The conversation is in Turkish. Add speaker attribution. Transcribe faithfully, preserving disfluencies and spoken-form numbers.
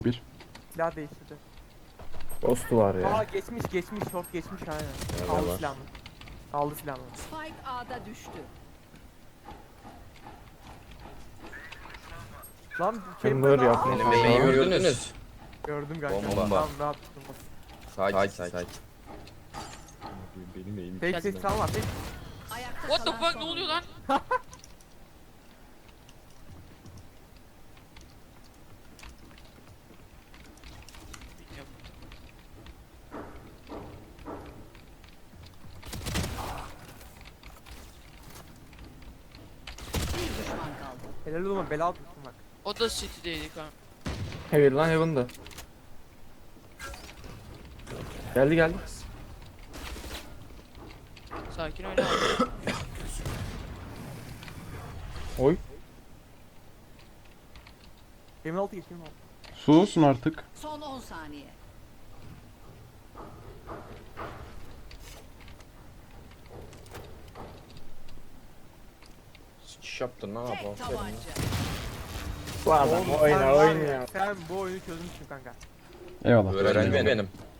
Speaker 1: Bir.
Speaker 2: Silah değiştirdi.
Speaker 3: Ghost var ya.
Speaker 2: Aa geçmiş geçmiş short geçmiş aynen.
Speaker 3: Nerede
Speaker 2: Aldı
Speaker 3: var?
Speaker 2: silahını. Aldı silahını.
Speaker 4: Spike A'da düştü.
Speaker 2: Lan
Speaker 3: Chamber
Speaker 2: Chamber'da-
Speaker 3: yapmış.
Speaker 2: Aa,
Speaker 5: Bebeği gördünüz.
Speaker 2: Gördüm kanka.
Speaker 5: Bomba.
Speaker 2: Tamam rahat tuttum.
Speaker 5: Sakin sakin.
Speaker 3: Benim eğim.
Speaker 2: Tek tek sağ var tek.
Speaker 4: Ayakta
Speaker 6: What the
Speaker 4: kalan
Speaker 6: fuck
Speaker 4: son
Speaker 6: ne oluyor
Speaker 4: oyuncu.
Speaker 6: lan?
Speaker 4: Bir düşman kaldı.
Speaker 2: Helal olma bela tuttum bak.
Speaker 6: O da City'deydi kanka.
Speaker 3: Heaven lan Heaven'da. Geldi geldi.
Speaker 6: Sakin oyna abi.
Speaker 3: Oy.
Speaker 2: yirmi altı geç yirmi altı.
Speaker 1: Susun artık.
Speaker 4: Son on saniye.
Speaker 5: Sıçış yaptın lan
Speaker 4: Tek
Speaker 5: abi.
Speaker 4: tabanca.
Speaker 3: Bu adam
Speaker 2: Oğlum, sen
Speaker 3: oyna
Speaker 2: var ya,
Speaker 3: oyna.
Speaker 2: Sen bu oyunu çözmüşsün kanka.
Speaker 1: Eyvallah.
Speaker 5: Öğrenci benim.